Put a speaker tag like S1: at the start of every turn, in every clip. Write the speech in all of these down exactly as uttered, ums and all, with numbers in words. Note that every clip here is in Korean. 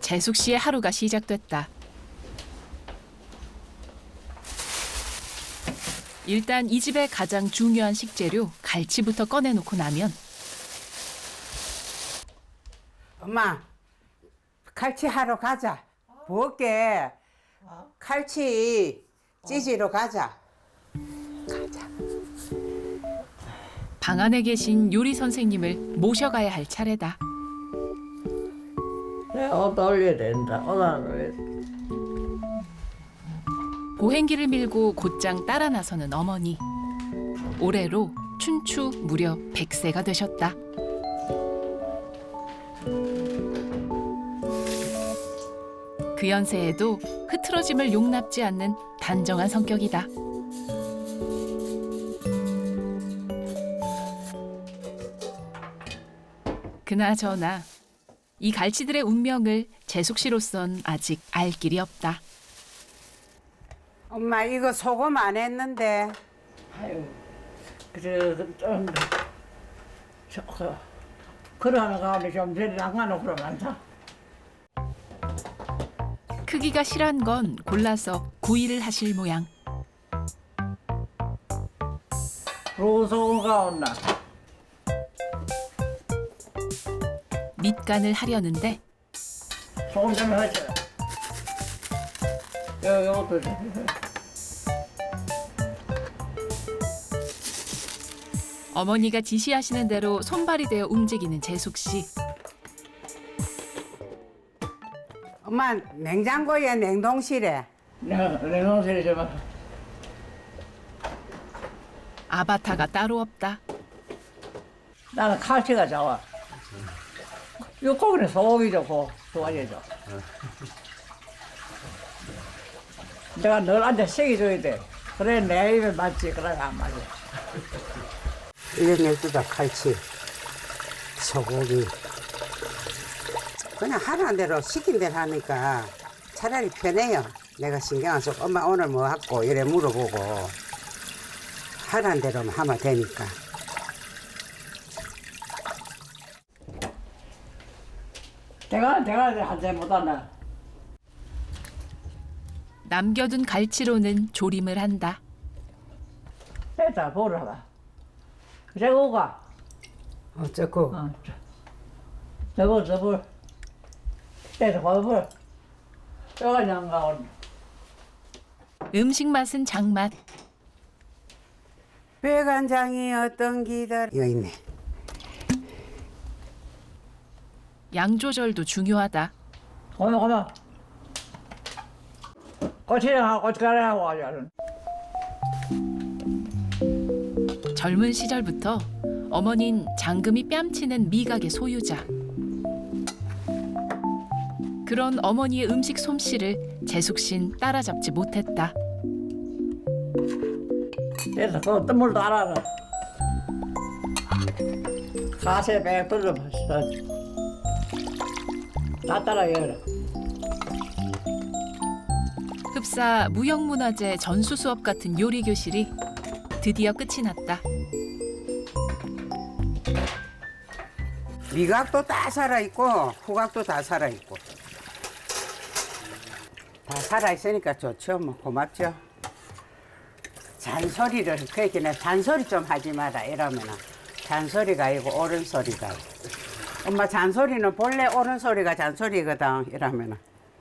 S1: 재숙 씨의 하루가 시작됐다. 일단 이 집의 가장 중요한 식재료 갈치부터 꺼내놓고 나면
S2: 엄마, 칼치 하러 가자. 부엌에 칼치 찌지러 가자. 가자.
S1: 방 안에 계신 요리 선생님을 모셔가야 할 차례다.
S3: 내가 옷 올려야 된다. 옷 안 올려야 돼.
S1: 보행기를 밀고 곧장 따라 나서는 어머니. 올해로 춘추 무려 백 세가 되셨다. 그 연세에도 흐트러짐을 용납지 않는 단정한 성격이다. 그나저나 이 갈치들의 운명을 재숙 씨로선 아직 알 길이 없다.
S2: 엄마, 이거 소금 안 했는데.
S3: 아유, 그래, 좀, 저, 그, 그러는 가운데 좀 저리 나가놓고 그러면 안 돼.
S1: 크기가 실한 건 골라서 구이를 하실 모양.
S3: 로소금 가온나.
S1: 밑간을 하려는데
S3: 소금 좀 하자. 요, 요것도 좀.
S1: 어머니가 지시하시는 대로 손발이 되어 움직이는 재숙 씨.
S2: 엄마, 냉장고에 냉동실에.
S3: 내가 냉동실에 좀.
S1: 아바타가 따로 없다.
S3: 나는 칼치가 좋아. 요 고기는 소고기 좋고 좋아해줘. 내가 늘 앉아 식이줘야 돼. 그래 내 입에 맞지. 그래 안 맞아.
S2: 이런 열두다 칼치, 소고기. 그냥 하라는 대로 시킨 대로 하니까 차라리 편해요. 내가 신경 안 쓰고 엄마 오늘 뭐 할고 이래 물어보고 하라는 대로만 하면 되니까.
S3: 내가 내가 한잔 못한다.
S1: 남겨둔 갈치로는 조림을 한다.
S3: 됐다 보러 봐. 그래 오가.
S2: 어쩌고.
S3: 어. 저거 저거. 됐다 봐봐. 저거 장가온.
S1: 음식 맛은 장맛.
S2: 배간장이 어떤 기다. 여기 있네.
S1: 양 조절도 중요하다.
S3: 고마 고마. 고추장하고 고춧가루하고 가자.
S1: 젊은 시절부터 어머닌 장금이 뺨치는 미각의 소유자. 그런 어머니의 음식 솜씨를 재숙 씨는 따라잡지 못했다.
S3: 됐어. 그 어떤 물도 알아라. 가세 백 불러 봤어. 다 따라해라.
S1: 흡사 무형문화재 전수 수업 같은 요리 교실이 드디어 끝이 났다.
S2: 미각도 다 살아있고 후각도 다 살아있고 다 살아있으니까 좋죠. 뭐 고맙죠. 잔소리를 그 얘기는 잔소리 좀 하지 마라 이러면은 잔소리가 아니고 옳은 소리다. 엄마 잔소리는 본래 옳은 소리가 잔소리거든 이러면은.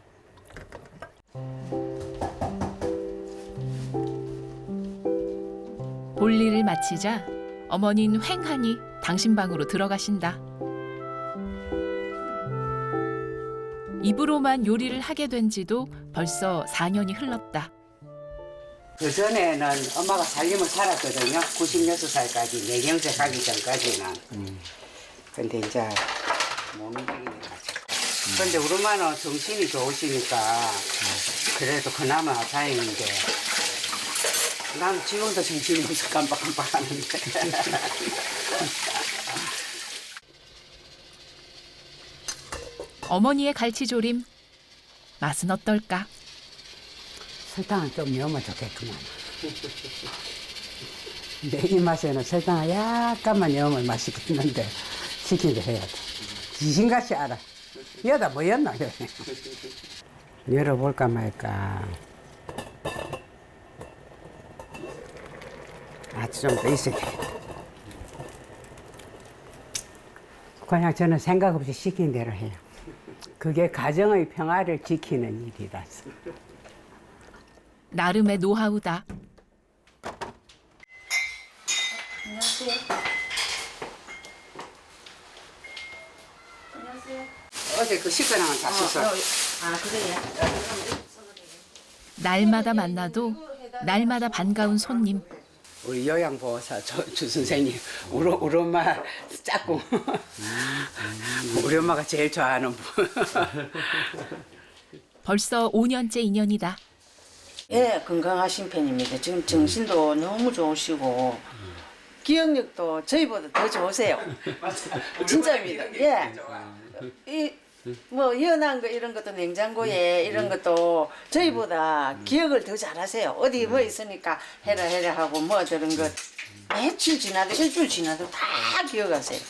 S1: 볼일을 마치자 어머니는 횡하니 당신 방으로 들어가신다. 입으로만 요리를 하게 된 지도 벌써 사 년이 흘렀다.
S2: 그 전에는 엄마가 살림을 살았거든요. 구십육 살까지 내경세 가기 전까지는. 음. 근데 이제 못 움직이는 거죠. 근데 우리 엄마는 정신이 좋으시니까 그래도 그나마 다행인데 나는 지금도 정신이 없어 깜빡깜빡 하는데.
S1: 어머니의 갈치조림 맛은 어떨까?
S2: 설탕을 좀 넣으면 좋겠구만. 내 입맛에는 설탕을 약간만 넣으면 맛있겠는데 시키게 해야 돼. 귀신같이 알아. 여다 뭐였나? 열어볼까 말까. 아주 좀 더 있어야 되겠다. 그냥 저는 생각 없이 시킨 대로 해요. 그게 가정의 평화를 지키는 일이라서.
S1: 나름의 노하우다.
S4: 안녕하세요. 안녕하세요.
S2: 어제 그 시끄러운 건 다 씻어.
S4: 아, 그래요?
S1: 날마다 만나도 날마다 반가운 손님.
S2: 우리 요양보호사 조, 주 선생님, 우리, 우리 엄마 짝꿍. 우리 엄마가 제일 좋아하는 분.
S1: 벌써 오 년째 인연이다.
S4: 예, 건강하신 편입니다. 지금 정신도 너무 좋으시고 기억력도 저희보다 더 좋으세요. 진짜입니다. 예. 이 뭐 연한 거 이런 것도 냉장고에 이런 것도 저희보다 기억을 더 잘하세요. 어디 뭐 있으니까 해라 해라 하고 뭐 저런 것 며칠 지나도 일주일 지나도 다 기억하세요.